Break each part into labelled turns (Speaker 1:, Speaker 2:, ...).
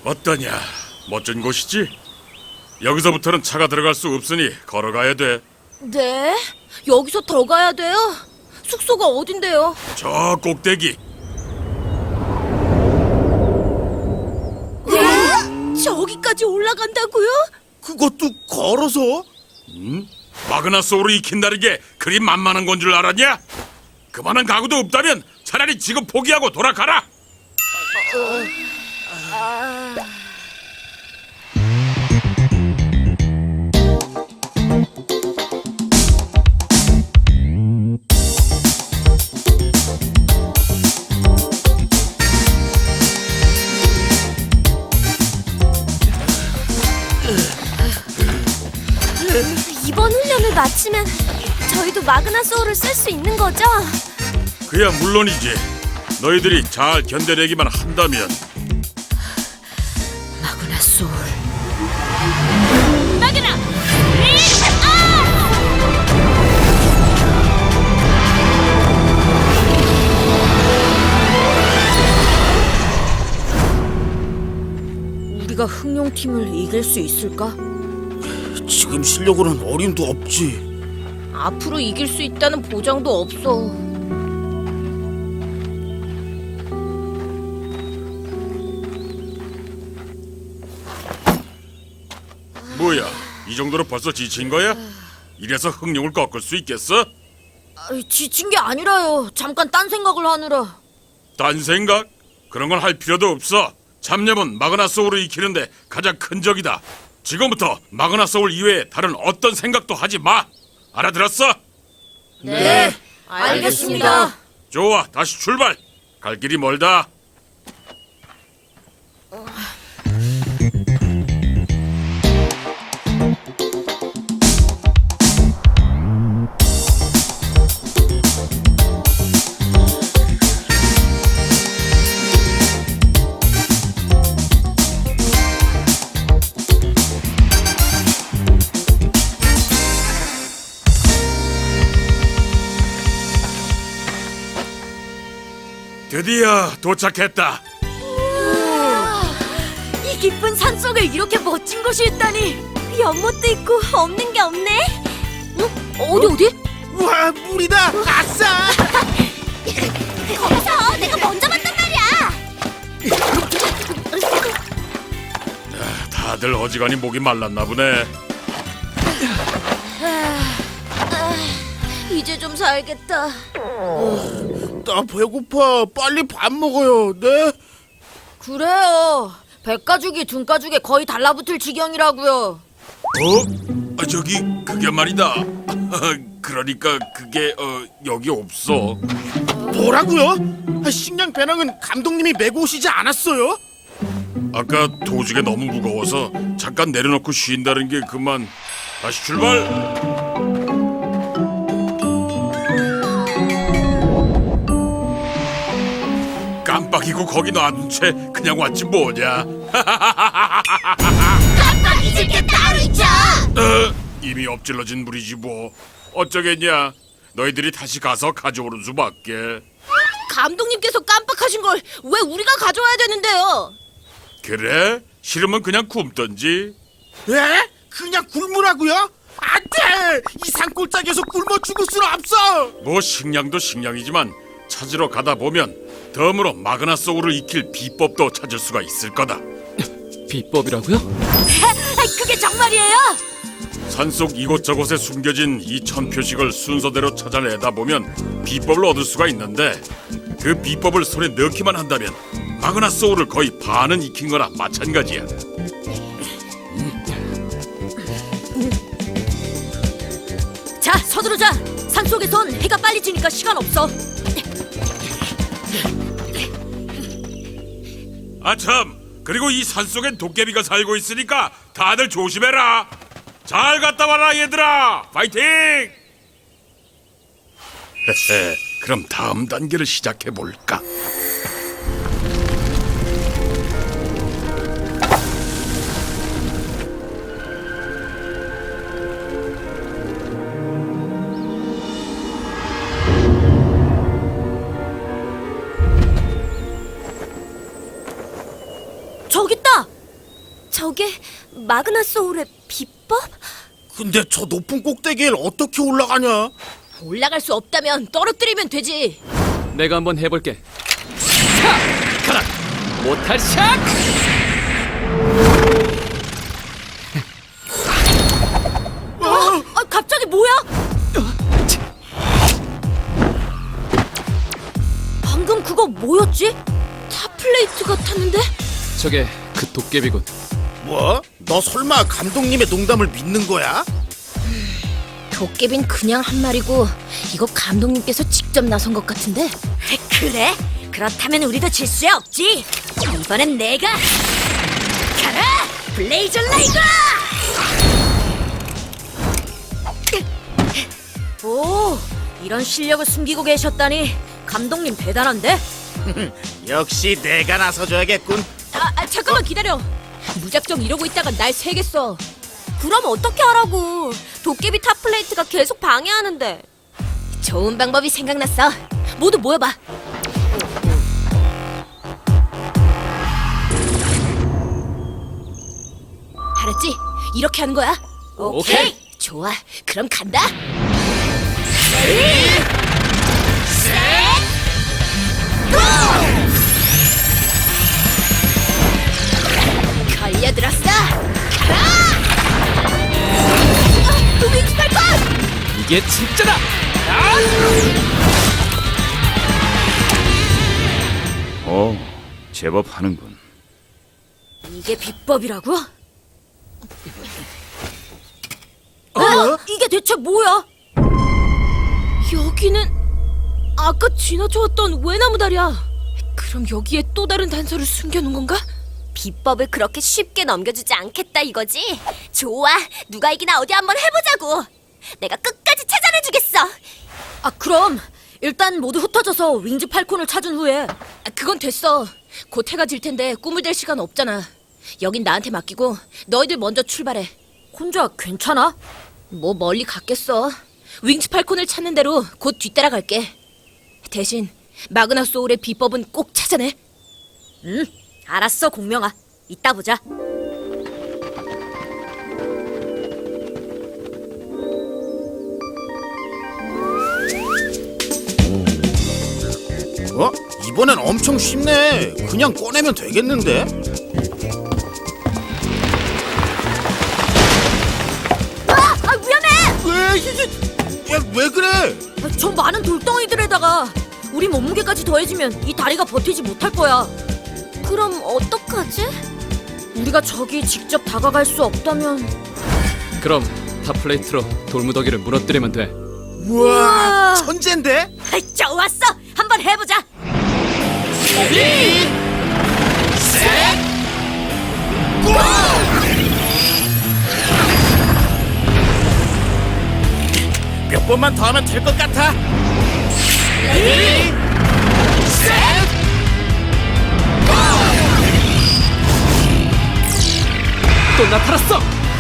Speaker 1: 어떠냐? 멋진 곳이지? 여기서부터는 차가 들어갈 수 없으니 걸어가야 돼.
Speaker 2: 네? 여기서 더 가야 돼요? 숙소가 어딘데요?
Speaker 1: 저 꼭대기.
Speaker 2: 네? 저기까지 올라간다고요?
Speaker 3: 그것도 걸어서?
Speaker 1: 마그나 소울을 익힌다는 게 그리 만만한 건 줄 알았냐? 그만한 각오도 없다면 차라리 지금 포기하고 돌아가라.
Speaker 2: 이번 훈련을 마치면 저희도 마그나 소울을 쓸 수 있는 거죠?
Speaker 1: 그야 물론이지. 너희들이 잘 견뎌내기만 한다면.
Speaker 2: 마그나 소울.
Speaker 4: 마그나!
Speaker 2: 우리가 흑룡팀을 이길 수 있을까?
Speaker 3: 지금 실력으로는 어림도 없지.
Speaker 2: 앞으로 이길 수 있다는 보장도 없어.
Speaker 1: 뭐야? 이 정도로 벌써 지친 거야? 이래서 흥룡을 꺾을 수 있겠어?
Speaker 2: 지친 게 아니라요. 잠깐 딴 생각을 하느라.
Speaker 1: 딴 생각? 그런 건 할 필요도 없어. 잡념은 마그나 소울을 익히는데 가장 큰 적이다. 지금부터 마그나 소울 이외에 다른 어떤 생각도 하지 마. 알아들었어?
Speaker 2: 네, 알겠습니다.
Speaker 1: 좋아, 다시 출발. 갈 길이 멀다. 드디어 도착했다.
Speaker 2: 이 깊은 산속에 이렇게 멋진 곳이 있다니. 연못도 있고 없는 게 없네. 어디?
Speaker 3: 와, 물이다! 아싸!
Speaker 2: 거기서 내가 먼저 봤단 말이야.
Speaker 1: 다들 어지간히 목이 말랐나 보네.
Speaker 2: 이제 좀 살겠다.
Speaker 3: 나 배고파. 빨리 밥 먹어요. 네?
Speaker 2: 그래요. 백가죽이 등가죽에 거의 달라붙을 지경이라고요.
Speaker 1: 저기 그게 말이다. 그러니까 그게 여기 없어.
Speaker 3: 뭐라고요? 식량 배낭은 감독님이 메고 오시지 않았어요?
Speaker 1: 아까 도중에 너무 무거워서 잠깐 내려놓고 쉰다는 게 그만. 다시 출발. 깜빡이고 거기 놔둔 채 그냥 왔지 뭐냐.
Speaker 4: 깜빡 잊을 게 따로 있죠!
Speaker 1: 이미 엎질러진 물이지 뭐. 어쩌겠냐. 너희들이 다시 가서 가져오는 수밖에.
Speaker 2: 감독님께서 깜빡하신 걸 왜 우리가 가져와야 되는데요?
Speaker 1: 그래? 싫으면 그냥 굶던지.
Speaker 3: 에? 그냥 굶으라고요? 안 돼! 이 산골짜기에서 굶어 죽을 수는 없어!
Speaker 1: 뭐 식량도 식량이지만 찾으러 가다 보면 덤으로 마그나 소울을 익힐 비법도 찾을 수가 있을 거다.
Speaker 5: 비법이라고요?
Speaker 2: 그게 정말이에요?
Speaker 1: 산속 이곳저곳에 숨겨진 이 천표식을 순서대로 찾아내다 보면 비법을 얻을 수가 있는데, 그 비법을 손에 넣기만 한다면 마그나 소울을 거의 반은 익힌 거나 마찬가지야.
Speaker 2: 자, 서두르자. 산속에선 해가 빨리 지니까 시간 없어.
Speaker 1: 아참, 그리고 이 산속엔 도깨비가 살고 있으니까 다들 조심해라. 잘 갔다 와라 얘들아. 파이팅! 그럼 다음 단계를 시작해 볼까?
Speaker 2: 저기 있다. 저게 마그나 소울의 비법?
Speaker 3: 근데 저 높은 꼭대기를 어떻게 올라가냐?
Speaker 2: 올라갈 수 없다면 떨어뜨리면 되지.
Speaker 5: 내가 한번 해볼게. 차! 가라! 모탈 샥!
Speaker 2: 갑자기 뭐야? 방금 그거 뭐였지? 탑플레이트 같았는데?
Speaker 5: 저게 그 도깨비군.
Speaker 3: 뭐? 너 설마 감독님의 농담을 믿는 거야?
Speaker 2: 도깨비는 그냥 한 말이고 이거 감독님께서 직접 나선 것 같은데? 그래? 그렇다면 우리도 질 수 없지. 이번엔 내가 가라! 블레이저 라이거! 오, 이런 실력을 숨기고 계셨다니 감독님 대단한데?
Speaker 3: 역시 내가 나서줘야겠군.
Speaker 2: 잠깐만 기다려. 무작정 이러고 있다가 날 새겠어. 그럼 어떻게 하라고? 도깨비 탑플레이트가 계속 방해하는데. 좋은 방법이 생각났어. 모두 모여봐. 알았지? 이렇게 하는 거야.
Speaker 5: 오케이.
Speaker 2: 좋아. 그럼 간다. 걸려들었어. 가라! 윙스 팔콘!
Speaker 5: 이게 진짜다!
Speaker 1: 오, 제법 하는군.
Speaker 2: 이게 비법이라고? 이게 대체 뭐야? 여기는 아까 지나쳐왔던 외나무 다리야. 그럼 여기에 또 다른 단서를 숨겨놓은 건가? 비법을 그렇게 쉽게 넘겨주지 않겠다 이거지? 좋아, 누가 이기나 어디 한번 해보자고. 내가 끝까지 찾아내주겠어. 그럼 일단 모두 흩어져서 윙즈 팔콘을 찾은 후에. 그건 됐어. 곧 해가 질 텐데 꿈을 댈 시간 없잖아. 여긴 나한테 맡기고 너희들 먼저 출발해. 혼자 괜찮아? 뭐 멀리 갔겠어. 윙즈 팔콘을 찾는 대로 곧 뒤따라갈게. 대신 마그나 소울의 비법은 꼭 찾아내. 응, 알았어 공명아. 이따 보자.
Speaker 3: 이번엔 엄청 쉽네. 그냥 꺼내면 되겠는데?
Speaker 2: 위험해!
Speaker 3: 왜 그래?
Speaker 2: 저 많은 돌덩이들에다가 우리 몸무게까지 더해지면 이 다리가 버티지 못할 거야. 그럼 어떡하지? 우리가 저기 직접 다가갈 수 없다면.
Speaker 5: 그럼 탑플레이트로 돌무더기를 무너뜨리면 돼.
Speaker 3: 우와, 천재인데?
Speaker 2: 좋았어! 한번 해보자!
Speaker 3: 몇 번만 더 하면 될 것 같아.
Speaker 5: 또 나타났어!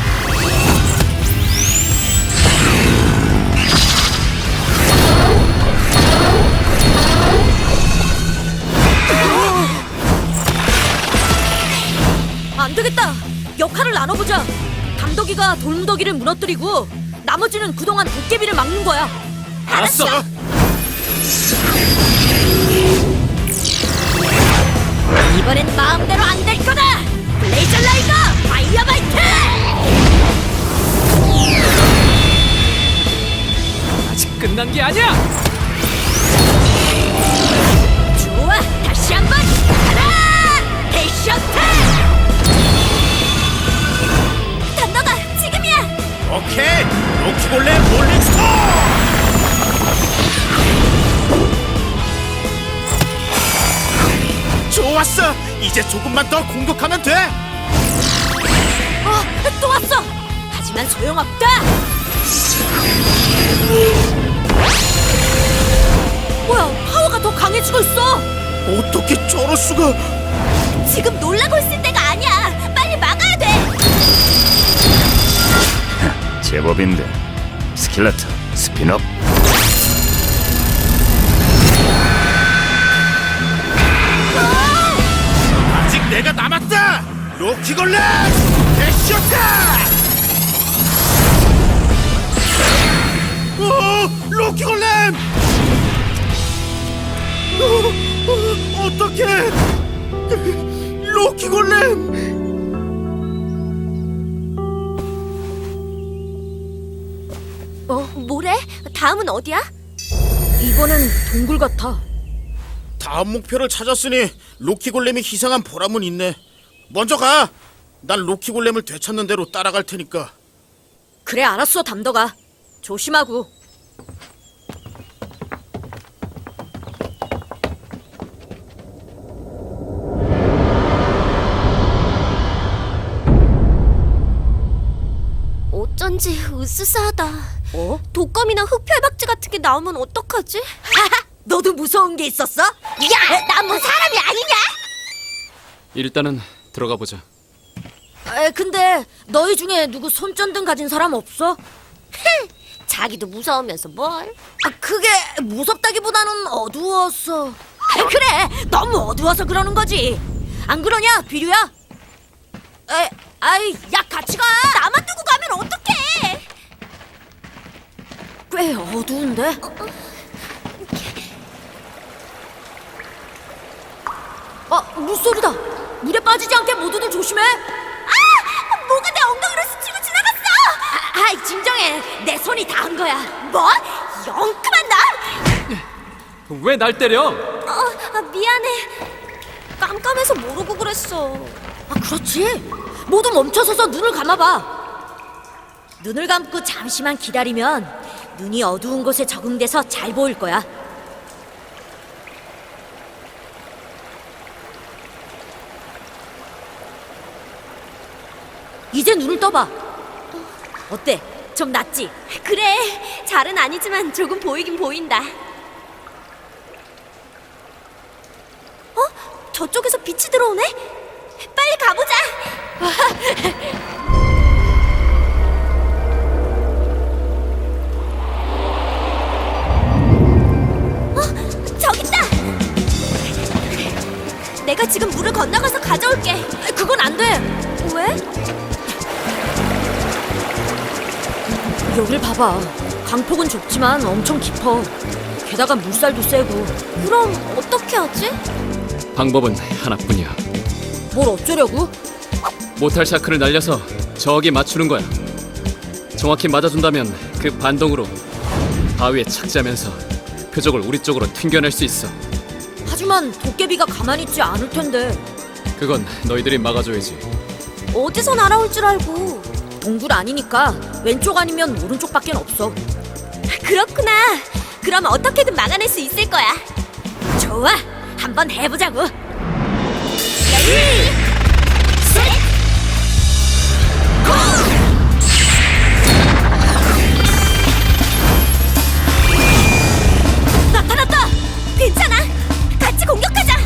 Speaker 2: 안 되겠다! 역할을 나눠보자! 감독이가 돌무더기를 무너뜨리고 나머지는 그동안 도깨비를 막는 거야.
Speaker 3: 알았어.
Speaker 2: 이번엔 마음대로 안 될 거다! 블레이저 라이거 파이어바이트!
Speaker 5: 아직 끝난 게 아니야!
Speaker 2: 좋아! 다시 한번 가라! 헤이쇼트! 단너가 지금이야!
Speaker 3: 오케이. 로키볼레 몰링스톤. 좋았어. 이제 조금만 더 공격하면 돼.
Speaker 2: 또 왔어! 하지만 소용없다! 뭐야, 파워가 더 강해지고 있어!
Speaker 3: 어떻게 저럴 수가?
Speaker 2: 지금 놀라고 있을 때가 아니야! 빨리 막아야 돼!
Speaker 1: 제법인데. 스킬레터, 스피너.
Speaker 3: 아직 내가 남았다. 로키골렘 대쇼타! 로키골렘! 어떡해! 로키골렘!
Speaker 2: 뭐래? 다음은 어디야?
Speaker 6: 이번엔 동굴 같아.
Speaker 3: 다음 목표를 찾았으니 로키골렘이 희생한 보람은 있네. 먼저 가! 난 로키골렘을 되찾는 대로 따라갈 테니까.
Speaker 6: 그래, 알았어, 담덕아. 조심하고.
Speaker 2: 어쩐지 으스스하다. 독검이나 흑혈박쥐 같은 게 나오면 어떡하지?
Speaker 6: 너도 무서운 게 있었어?
Speaker 2: 야, 난 뭐 사람이 아니냐?
Speaker 5: 일단은 들어가 보자.
Speaker 6: 근데 너희 중에 누구 손전등 가진 사람 없어?
Speaker 2: 자기도 무서우면서 뭘?
Speaker 6: 그게 무섭다기보다는 어두웠어. 그래, 너무 어두워서 그러는 거지. 안 그러냐, 비류야? 야, 같이 가.
Speaker 2: 나만 두고 가면 어떡해?
Speaker 6: 꽤 어두운데? 물소리다. 물에 빠지지 않게 모두들 조심해.
Speaker 2: 뭐가 내 엉덩이로 스치고 지나갔어?
Speaker 6: 진정해. 내 손이 닿은 거야.
Speaker 2: 뭐? 영 그만 나?
Speaker 5: 왜 날 때려?
Speaker 2: 미안해. 깜깜해서 모르고 그랬어.
Speaker 6: 그렇지. 모두 멈춰서서 눈을 감아봐. 눈을 감고 잠시만 기다리면 눈이 어두운 곳에 적응돼서 잘 보일 거야. 이제 눈을 떠봐. 어때? 좀 낫지?
Speaker 2: 그래, 잘은 아니지만 조금 보이긴 보인다. 저쪽에서 빛이 들어오네? 빨리 가보자. 저기 있다. 내가 지금 물을 건너가서 가져올게.
Speaker 6: 그건 안 돼.
Speaker 2: 왜?
Speaker 6: 여길 봐봐. 강폭은 좁지만 엄청 깊어. 게다가 물살도 세고.
Speaker 2: 그럼 어떻게 하지?
Speaker 5: 방법은 하나뿐이야.
Speaker 6: 뭘 어쩌려고?
Speaker 5: 모탈 샤크를 날려서 저기 맞추는 거야. 정확히 맞아준다면 그 반동으로 바위에 착지하면서 표적을 우리 쪽으로 튕겨낼 수 있어.
Speaker 6: 하지만 도깨비가 가만히 있지 않을 텐데.
Speaker 5: 그건 너희들이 막아줘야지.
Speaker 2: 어디서 날아올 줄 알고.
Speaker 6: 동굴 아니니까 왼쪽 아니면 오른쪽밖에 없어.
Speaker 2: 그렇구나. 그럼 어떻게든 막아낼 수 있을 거야.
Speaker 6: 좋아, 한번 해보자고.
Speaker 2: 레디, 셋, 고! 나타났다. 괜찮아. 같이 공격하자.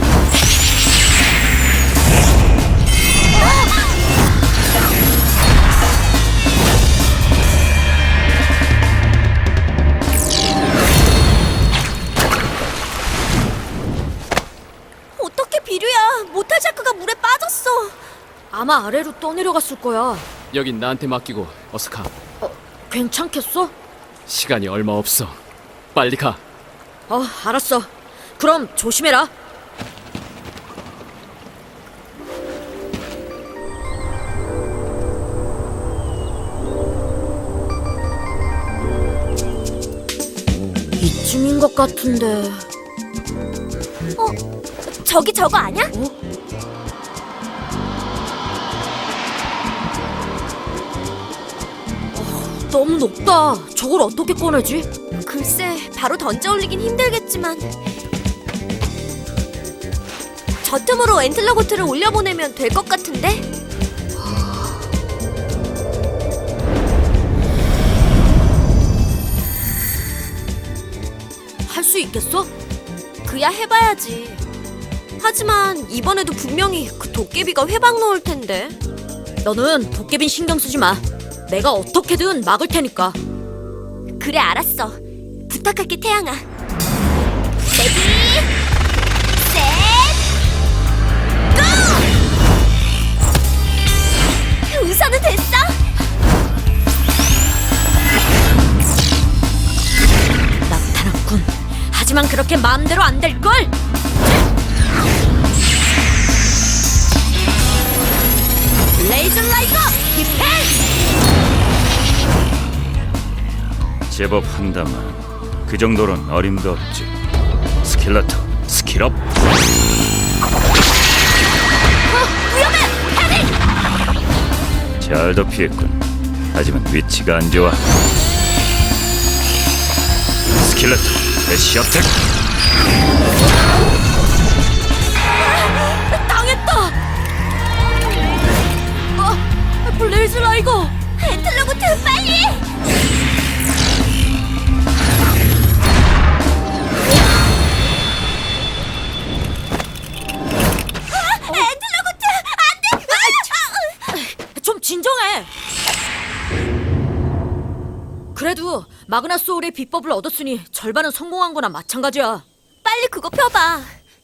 Speaker 2: 어떻게 비류야? 모탈샤크가 물에 빠졌어.
Speaker 6: 아마 아래로 떠내려갔을 거야.
Speaker 5: 여긴 나한테 맡기고 어서 가.
Speaker 6: 괜찮겠어?
Speaker 5: 시간이 얼마 없어. 빨리 가.
Speaker 6: 알았어. 그럼 조심해라. 이쯤인 것 같은데.
Speaker 2: 저기 저거 아냐?
Speaker 6: 너무 높다. 저걸 어떻게 꺼내지?
Speaker 2: 글쎄, 바로 던져 올리긴 힘들겠지만 저 틈으로 엔틀러고트를 올려보내면 될 것 같은데?
Speaker 6: 할 수 있겠어?
Speaker 2: 그야 해봐야지. 하지만 이번에도 분명히 그 도깨비가 회방 넣을 텐데.
Speaker 6: 너는 도깨빈 신경 쓰지 마. 내가 어떻게든 막을 테니까.
Speaker 2: 그래, 알았어. 부탁할게, 태양아. 레디, 셋, 고!
Speaker 6: 하지만 그렇게 마음대로 안 될걸? 블레이즈 라이거 디펜스!
Speaker 7: 제법 한다만 그 정도는 어림도 없지. 스킬러터 스킬업.
Speaker 6: 위험해! 헤딩!
Speaker 7: 잘도 피했군. 하지만 위치가 안 좋아. 스킬러터 대시 어택.
Speaker 6: 당했다! 블레이즈 라이거!
Speaker 2: 엔틀로구트 빨리! 엔틀로구트 안돼!
Speaker 6: 좀 진정해! 그래도 마그나 소울의 비법을 얻었으니 절반은 성공한 거나 마찬가지야.
Speaker 2: 빨리 그거 펴봐.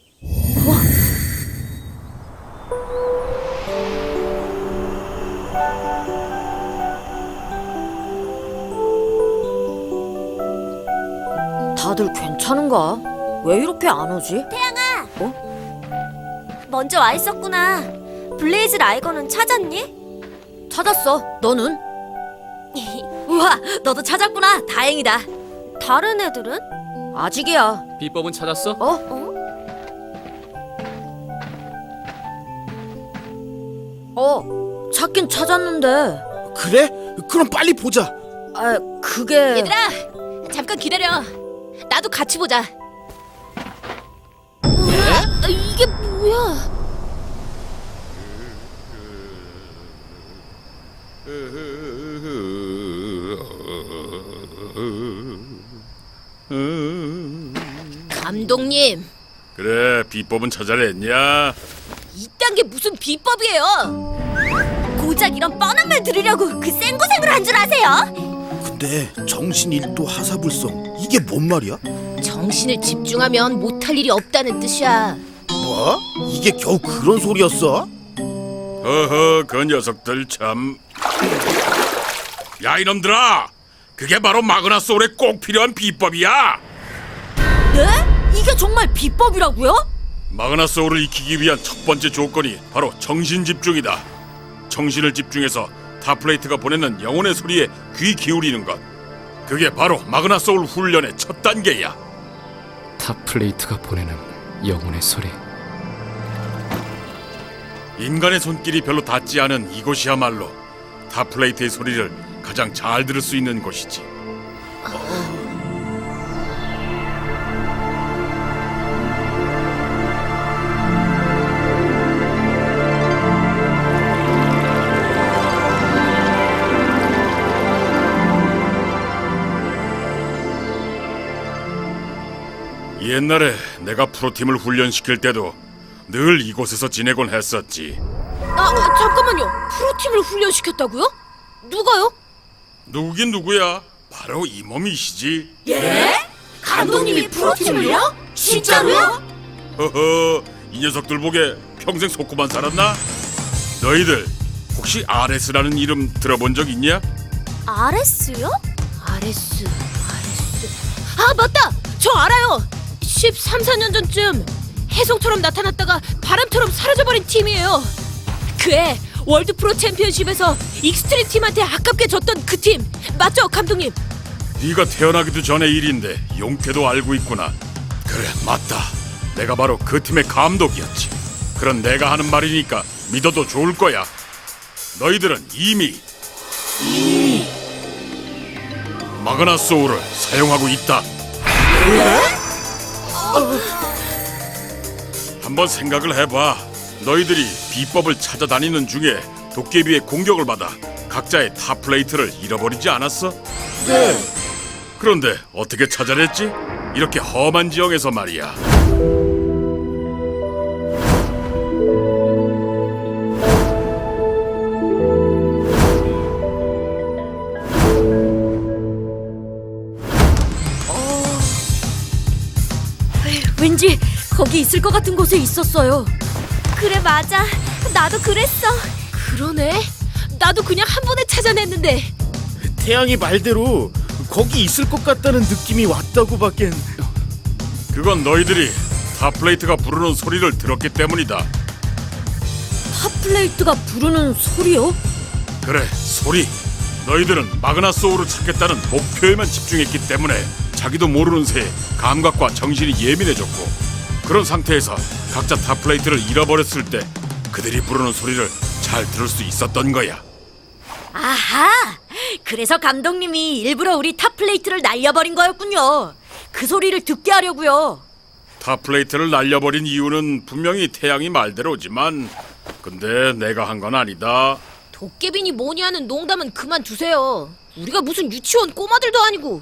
Speaker 6: 다들 괜찮은가? 왜 이렇게 안 오지?
Speaker 2: 태양아. 먼저 와 있었구나. 블레이즈 라이거는 찾았니?
Speaker 6: 찾았어. 너는? 우와, 너도 찾았구나. 다행이다.
Speaker 2: 다른 애들은?
Speaker 6: 아직이야.
Speaker 5: 비법은 찾았어?
Speaker 6: 찾긴 찾았는데.
Speaker 3: 그래? 그럼 빨리 보자.
Speaker 6: 그게...
Speaker 2: 얘들아, 잠깐 기다려. 나도 같이 보자. 이게 뭐야? 감독님,
Speaker 1: 그래, 비법은 찾아냈냐?
Speaker 2: 이딴 게 무슨 비법이에요? 고작 이런 뻔한 말 들으려고 그 생고생을 한 줄 아세요?
Speaker 3: 근데 정신 일도 하사불성 이게 뭔 말이야?
Speaker 2: 정신을 집중하면 못할 일이 없다는 뜻이야.
Speaker 3: 뭐? 이게 겨우 그런 소리였어?
Speaker 1: 허허, 그 녀석들 참. 야, 이놈들아! 그게 바로 마그나 소울에 꼭 필요한 비법이야!
Speaker 6: 네? 이게 정말 비법이라고요?
Speaker 1: 마그나 소울을 익히기 위한 첫 번째 조건이 바로 정신 집중이다. 정신을 집중해서 타플레이트가 보내는 영혼의 소리에 귀 기울이는 것. 그게 바로 마그나 소울 훈련의 첫 단계야.
Speaker 5: 탑플레이트가 보내는 영혼의 소리.
Speaker 1: 인간의 손길이 별로 닿지 않은 이곳이야말로 타플레이트의 소리를 가장 잘 들을 수 있는 곳이지. 옛날에 내가 프로팀을 훈련시킬 때도 늘 이곳에서 지내곤 했었지.
Speaker 2: 잠깐만요. 프로팀을 훈련시켰다고요? 누가요?
Speaker 1: 누구긴 누구야? 바로 이 몸이시지.
Speaker 6: 예? 감독님이 프로팀을요? 진짜로요?
Speaker 1: 허허, 이 녀석들 보게 평생 속고만 살았나? 너희들 혹시 RS라는 이름 들어본 적 있냐?
Speaker 2: RS요? RS. 아, 맞다! 저 알아요! 13, 14년 전쯤 해성처럼 나타났다가 바람처럼 사라져버린 팀이에요. 그해 월드 프로 챔피언십에서 익스트림 팀한테 아깝게 졌던 그 팀 맞죠, 감독님?
Speaker 1: 네가 태어나기도 전의 일인데 용케도 알고 있구나. 그래, 맞다. 내가 바로 그 팀의 감독이었지. 그런 내가 하는 말이니까 믿어도 좋을 거야. 너희들은 이미 마그나 소울을 사용하고 있다. 한번 생각을 해봐. 너희들이 비법을 찾아다니는 중에 도깨비의 공격을 받아 각자의 탑플레이트를 잃어버리지 않았어?
Speaker 3: 네.
Speaker 1: 그런데 어떻게 찾아냈지? 이렇게 험한 지형에서 말이야.
Speaker 6: 왠지 거기 있을 것 같은 곳에 있었어요.
Speaker 2: 그래, 맞아. 나도 그랬어. 그러네. 나도 그냥 한 번에 찾아냈는데.
Speaker 3: 태양이 말대로 거기 있을 것 같다는 느낌이 왔다고밖엔.
Speaker 1: 그건 너희들이 탑플레이트가 부르는 소리를 들었기 때문이다.
Speaker 6: 탑플레이트가 부르는 소리요?
Speaker 1: 그래, 소리. 너희들은 마그나 소울을 찾겠다는 목표에만 집중했기 때문에 자기도 모르는 새에 감각과 정신이 예민해졌고, 그런 상태에서 각자 탑플레이트를 잃어버렸을 때 그들이 부르는 소리를 잘 들을 수 있었던 거야.
Speaker 6: 아하! 그래서 감독님이 일부러 우리 탑플레이트를 날려버린 거였군요. 그 소리를 듣게 하려고요.
Speaker 1: 탑플레이트를 날려버린 이유는 분명히 태양이 말대로지만, 근데 내가 한 건 아니다.
Speaker 2: 도깨비니 뭐니 하는 농담은 그만두세요. 우리가 무슨 유치원 꼬마들도 아니고.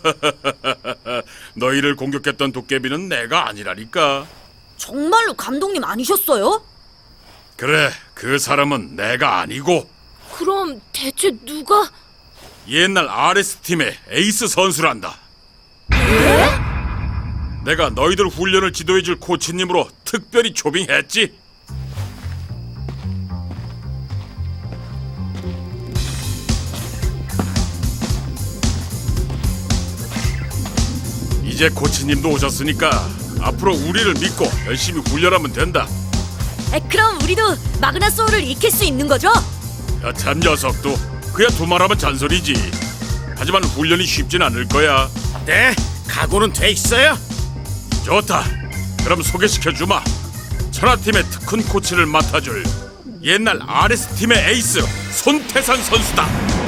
Speaker 1: 너희를 공격했던 도깨비는 내가 아니라니까.
Speaker 6: 정말로 감독님 아니셨어요?
Speaker 1: 그래, 그 사람은 내가 아니고
Speaker 2: 그럼 대체 누가?
Speaker 1: 옛날 RS팀의 에이스 선수란다. 내가 너희들 훈련을 지도해줄 코치님으로 특별히 초빙했지. 이제 코치님도 오셨으니까 앞으로 우리를 믿고 열심히 훈련하면 된다.
Speaker 6: 그럼 우리도 마그나 소울을 익힐 수 있는 거죠?
Speaker 1: 여참 녀석도 그야 두말하면 잔소리지. 하지만 훈련이 쉽진 않을 거야.
Speaker 3: 네, 각오는 돼 있어요.
Speaker 1: 좋다. 그럼 소개시켜주마. 천하팀의 특훈 코치를 맡아줄 옛날 RS팀의 에이스 손태산 선수다.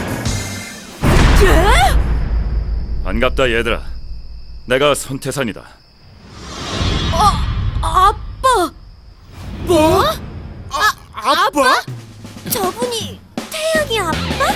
Speaker 7: 반갑다 얘들아. 내가 손태산이다.
Speaker 6: 아빠!
Speaker 2: 뭐?
Speaker 3: 아빠?
Speaker 6: 저분이 태양이 아빠?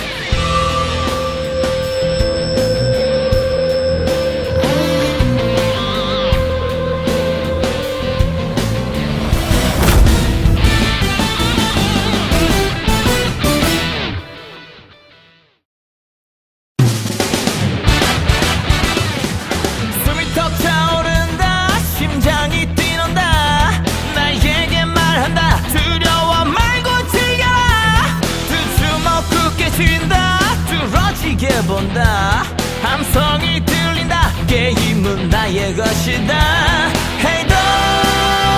Speaker 8: 숨이 턱 차오른다 심장이 뛰는다 나에게 말한다 두려워 말고 즐겨라 두 주먹 굳게 쥔다 뚫어지게 본다 함성이 들린다 게임은 나의 것이다 Hey don't